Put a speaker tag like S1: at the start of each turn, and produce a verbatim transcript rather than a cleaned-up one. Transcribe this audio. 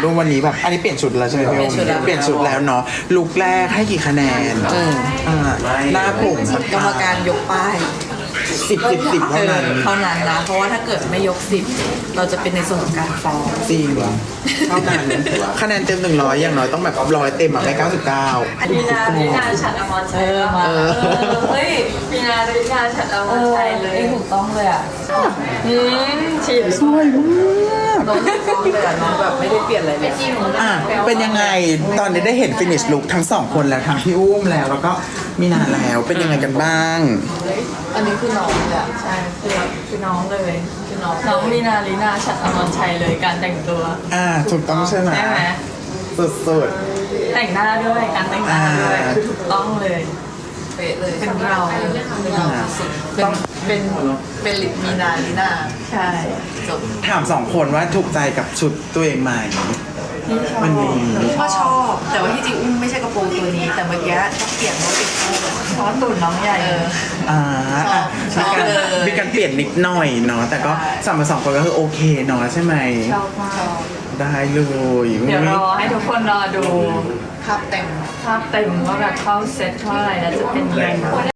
S1: ดูวันนี้แบบอันนี้เปลี่ยนชุดแล้วใช่ไหมพี่อุ้มเปลี่ยนชุดแล้วเนาะลุคแรกให้กี่คะแนนอ่าหน้าผม
S2: กรรมการยกป้าย
S1: สิบสิบสิบเท่านั้น
S2: เท่านั้นนะเพราะว่าถ้าเกิดไม่ยกสิบเราจะเป็นในส่วนของการฟ้อง
S1: จริงเท่านั้นคะแนนเต็มหนึ่งร้อยอย่างน้อยต้องแบบร้อยเต็มอ่ะไม่เก้าสิบเก้า
S3: มีนามีนาฉัดอมรชัยมาเฮ้ยมีนามีนาฉัดอมรชัยเลย
S2: ถูกต้องเลยอ่ะ
S3: อืมฉีด
S1: สวยมาก
S2: น้องถูกต้องเลยอ่ะน้องแบบไม่ได้เปลี่ยนอะไรเลย
S1: อ่ะเป็นยังไงตอนนี้ได้เห็นฟินิชลุคทั้งสองคนแล้วทั้งพี่อุ้มแล้วแล้วก็มีนาแล้วเป็นยังไงกันบ้าง
S2: อันนี้คือน้องเลยอ่ะใช่คือคือน้องเลยคือน้อง
S3: น้องมีนาลีนาฉัดอมรชัยเลยการแต่งตัว
S1: อ่าถูกต้องใช่ไหม
S3: ใช่ไหม
S1: สุด
S3: แต่งหน้าด้วยการแต่งหน้าด้วย
S1: อ่า
S3: คือถูกต้องเลย
S2: เป๊ะเลย
S3: เป็นเรา
S2: เป็นเราสุดเป็นเป็นเป็นลิมีนาลีนา
S3: ใช่
S2: จบ
S1: ๆถามสองคนว่าถูกใจกับชุดตัวเองไหมวันนี้
S2: ก็ชอบ แต่ว่าที่จริงอุ้มไม่ใช่กระโปรงตัวนี้ แต่เมื่อกี้ต้องเปลี่ยนเพราะติดโค้ง
S3: เพราะตุ่นน้องใหญ่
S2: เออ
S1: อ่าอ่ะ
S2: ชอบ
S1: มีการ
S2: เลย
S1: มีการเปลี่ยนนิดหน่อยเนาะแต่ก็สามมาสองคนก็คือโอเคเนาะใช่ไหม
S3: ชอบมาก
S1: ได้เลย
S3: เดี๋ยวรอให้ทุกคนรอดู
S2: ภาพเต็ม
S3: ภาพเต็มว่าแบบเข้าเซตเข้าอะไรแล้วจะเป็นยังไง